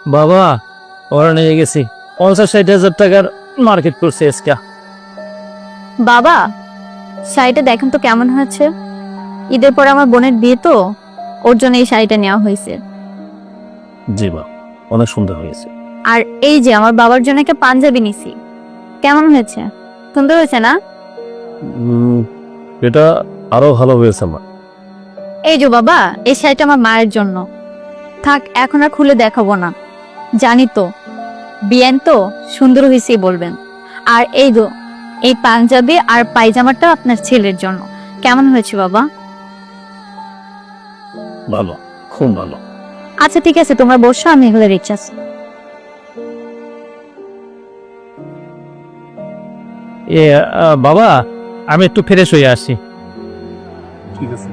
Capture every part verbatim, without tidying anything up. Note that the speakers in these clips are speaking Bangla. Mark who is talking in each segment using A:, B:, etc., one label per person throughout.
A: বাবা ওরা নিয়ে গেছি পঞ্চাশ ষাট হাজার টাকার মার্কেট করছে আজকে।
B: বাবা শাড়িটা দেখেন তো কেমন হয়েছে। ঈদের পরে আমার বোনের বিয়ে তো, ওর জন্য এই শাড়িটা নেওয়া হয়েছে।
A: জি বা অনেক সুন্দর হয়েছে।
B: আর এই যে আমার বাবার জন্য একটা পাঞ্জাবি নিছি, কেমন হয়েছে? সুন্দর হয়েছে না?
A: উম, এটা আরো ভালো হয়েছে আমার।
B: এই যে বাবা, এই শাড়িটা আমার মায়ের জন্য। থাক, এখন আর খুলে দেখাবো না, জানি তো বিয়ান তো সুন্দর হয়েছেই বলবেন। আর এই দো এই পাঞ্জাবি আর পায়জামাটা আপনার ছেলের জন্য। কেমন হয়েছে বাবা?
A: ভালো, খুব ভালো।
B: আচ্ছা ঠিক আছে, তোমরা বসো, আমি এগুলো রিচার্জ।
A: এ আহ, বাবা আমি একটু ফ্রেশ হয়ে আসি।
C: ঠিক আছে।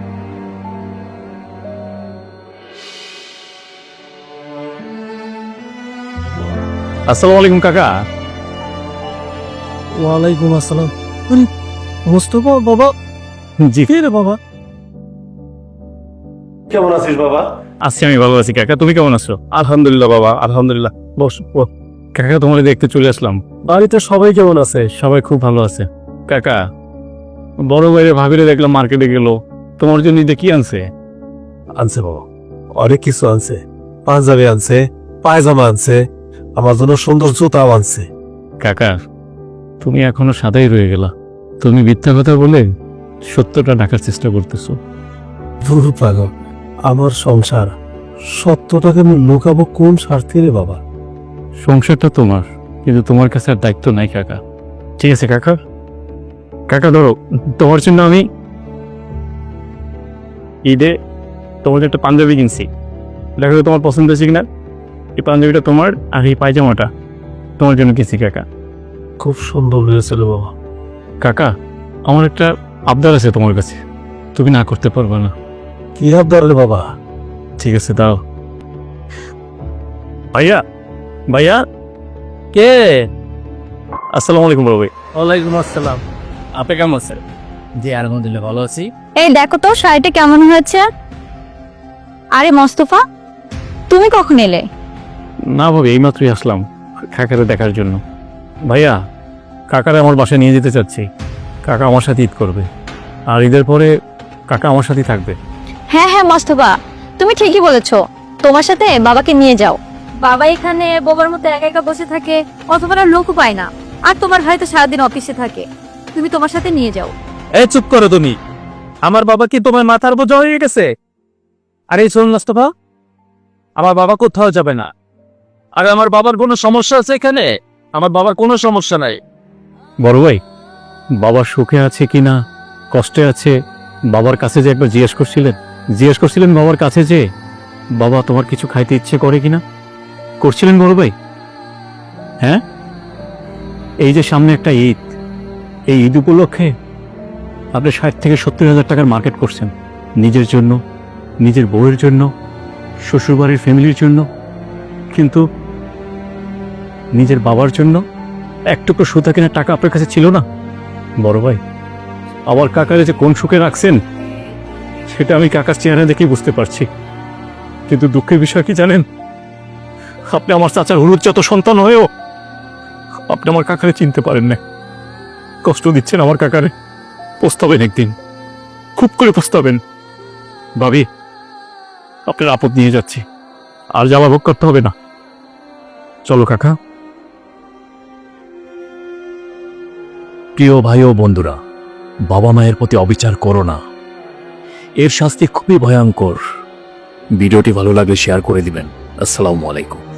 A: আসসালামু আলাইকুম কাকা।
C: ওয়ালাইকুম আসসালাম। আরে মোস্তফা বাবা,
A: জি
C: কে রে বাবা? কেমন আছিস বাবা?
A: আছি, আমি ভালো আছি কাকা, তুমি কেমন আছো?
C: আলহামদুলিল্লাহ বাবা, আলহামদুলিল্লাহ। বস বস।
A: কাকা তোমার দেখতে চলে আসলাম।
C: বাড়িতে সবাই কেমন আছে?
A: সবাই খুব ভালো আছে। কাকা বড় বাইরে ভাবিরে দেখলাম মার্কেটে গেল, তোমার জন্য ঈদে কি আনছে?
C: আনছে বাবা, অনেক কিছু আনছে। পাঞ্জাবি আনছে, পায়জামা আনছে, আমার জন্য সুন্দর জুতাও আনছে।
A: কাকা তুমি এখনো সাদাই রয়ে গেলা, তুমি মিথ্যা কথা বলে সত্যটা ঢাকার চেষ্টা করতেছো।
C: ধুর পাগল, আমার সংসার, সত্যটাকে আমি লুকাবো কোন স্বার্থে রে বাবা?
A: সংসারটা তোমার, কিন্তু তোমার কাছে আর দায়িত্ব নাই কাকা। ঠিক আছে কাকা, কাকা ধরো তোমার জন্য আমি ঈদে তোমার জন্য একটা পাঞ্জাবি কিনছি, দেখো তো তোমার পছন্দ হয়েছে কিনা। এই পাঞ্জাবিটা তোমার, আর এই পায়জামাটা তোমার জন্য কিনছি কাকা।
C: খুব সুন্দর হয়েছিল বাবা।
A: কাকা আমার একটা আবদার আছে তোমার কাছে, তুমি না করতে পারবে না।
C: কি আবদার রে বাবা?
A: ঠিক আছে দাও। ভাইয়া ভাইয়া কে? আসসালামু আলাইকুম বড় ভাই।
D: ওয়ালাইকুম আসসালাম।
A: আপনি কেমন আছেন?
D: জি আলহামদুলিল্লাহ ভালো আছি।
B: এই দেখো তো শাড়িটা কেমন হয়েছে। আরে মোস্তফা, তুমি কখন এলে?
A: না ভাবি এইমাত্রই আসলাম কাকারে দেখার জন্য। ভাইয়া কাকারে আমার বাসায় নিয়ে যেতে চাচ্ছি, কাকা আমার সাথে ঈদ করবে, আর ঈদের পরে কাকা আমার সাথেই থাকবে।
B: হ্যাঁ হ্যাঁ মোস্তফা, তুমি ঠিকই বলেছো, তোমার সাথে বাবাকে নিয়ে যাও। বাবা এখানে বোবার মতো একা একা বসে থাকে, অথবা লোকও পায় না, আর তোমার ভাই তো সারাদিন অফিসে থাকে, তুমি তোমার সাথে নিয়ে যাও।
D: এই চুপ করো তুমি, আমার বাবা কি তোমার মাথার বোঝা হয়ে গেছে? আরে শোন মোস্তফা, আমার বাবা কোথাও যাবে না। আর আমার বাবার কোনো সমস্যা আছে এখানে? আমার বাবার কোনো সমস্যা নাই।
A: বড় ভাই বাবার সুখে আছে কিনা কষ্টে আছে, বাবার কাছে যে একবার জিজ্ঞেস করছিলেন, জিজ্ঞেস করছিলেন বাবার কাছে যে বাবা তোমার কিছু খাইতে ইচ্ছে করে কিনা, করছিলেন বড় ভাই? হ্যাঁ, এই যে সামনে একটা ঈদ, এই ঈদ উপলক্ষে আপনি ষাট থেকে সত্তর হাজার টাকার মার্কেট করছেন নিজের জন্য, নিজের বউয়ের জন্য, শ্বশুরবাড়ির ফ্যামিলির জন্য, কিন্তু নিজের বাবার জন্য একটুকু সুতা কেনার টাকা আপনার কাছে ছিল না। বড় ভাই আমার কাকারে যে কোন সুখে রাখছেন সেটা আমি কাকার চেহারা দেখেই বুঝতে পারছি, কিন্তু দুঃখের বিষয় কি জানেন, আপনি আমার চাচার হলুদজাত সন্তান হয়েও আপনি আমার কাকারে চিনতে পারেন না। কষ্ট দিচ্ছেন আমার কাকারে, পস্তাবেন একদিন, খুব করে পস্তাবেন। ভাবি আপনার আপদ নিয়ে যাচ্ছি, আর যাওয়া ভোগ করতে হবে না, চলো কাকা।
E: প্রিয় ভাই ও বন্ধুরা, বাবা মায়ের প্রতি অবিচার করো না, এর শাস্তি খুবই ভয়ঙ্কর। ভিডিওটি ভালো লাগলে শেয়ার করে দিবেন। আসসালামু আলাইকুম।